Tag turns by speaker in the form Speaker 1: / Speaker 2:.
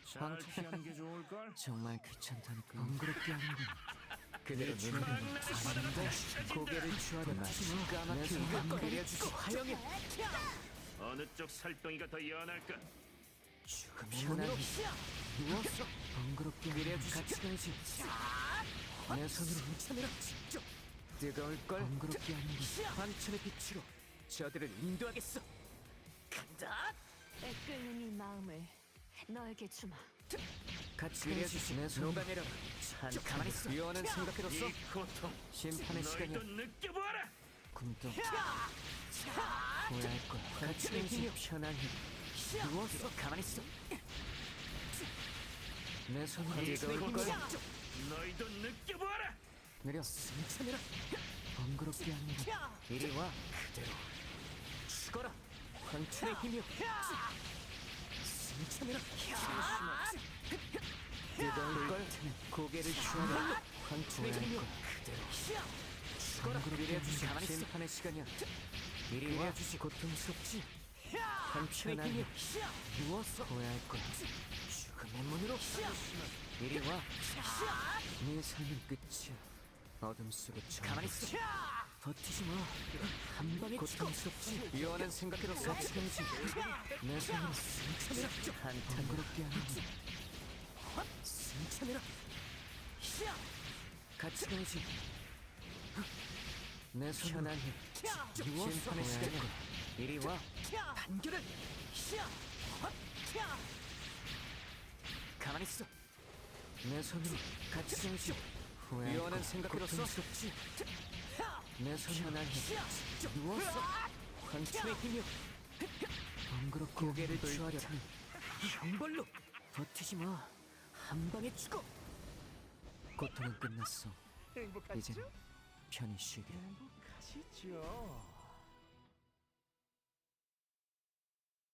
Speaker 1: 잘 피하는 게 좋을걸?
Speaker 2: 정말 귀찮다니까. 번거롭게 하는군. 그대로
Speaker 1: 내
Speaker 2: 눈을
Speaker 1: 추방날
Speaker 2: 가는데 고개를 추하려나 까맣게 눈 내려주지 화영이
Speaker 1: 어느 쪽 살덩이가 더 연할까?
Speaker 2: 죽음의 문으로 누웠어. 번거롭게 내려주지 같이 가야지. 내 손으로 훔쳐내라. 직접 뜨거울 걸 번거롭게 하는군. 환천의 빛으로 저들을 인도하겠어. 간다.
Speaker 3: 애끓는 이 마음을 너에게 주마.
Speaker 2: 같이 내려주지. 내 손 녹아내려. 가만히 있어. 유언은 생각해뒀어.
Speaker 1: 이 고통
Speaker 2: 심판의 시간이야.
Speaker 1: 너희도 느껴보아라.
Speaker 2: 굶도 후회할 거야. 같이 내지 편안히 누워서 가만히 있어. 내 손으로 뜨거울 걸
Speaker 1: 너희도 느껴보아라.
Speaker 2: 내려 승천해라. 번거롭게 하는 거 이리 와. 그대로 죽어라. 황천의 힘이여. 승천해라. 뜨거울 걸 고개를 추하라. 황천의 힘이여. 그대로 죽어라. 내려주지. 가만히 있어. 심판의 시간이야. 이리 와. 내려주지. 고통스럽지. 황천의 힘이여. 누워서 후회할 거야. 죽음의 문으로 이리 와. 네 삶은 끝이야. 어둠 속에 가만히 있어. 버티지 마. 한 방에 고통스럽지. 유언은 생각해뒀어. 같이 가야지. 내 손으로 승천해라. 한탄 그렇게 하는 승천해라. 같이 가야지. 내 손 편안히 누워서 심판의 시간이야. 이리 와. 단결을 가만히 있어. 내 손으로 같이 가야지. 유언은 생각해뒀어. 고통스럽지. 내 손 편안히 누워서 황천의 힘이여. 번거롭게 고개를 추하려라. 형벌로 버티지 마. 한 방에 죽어. 고통은 끝났어. 이제 편히 쉬게.
Speaker 1: 가시죠.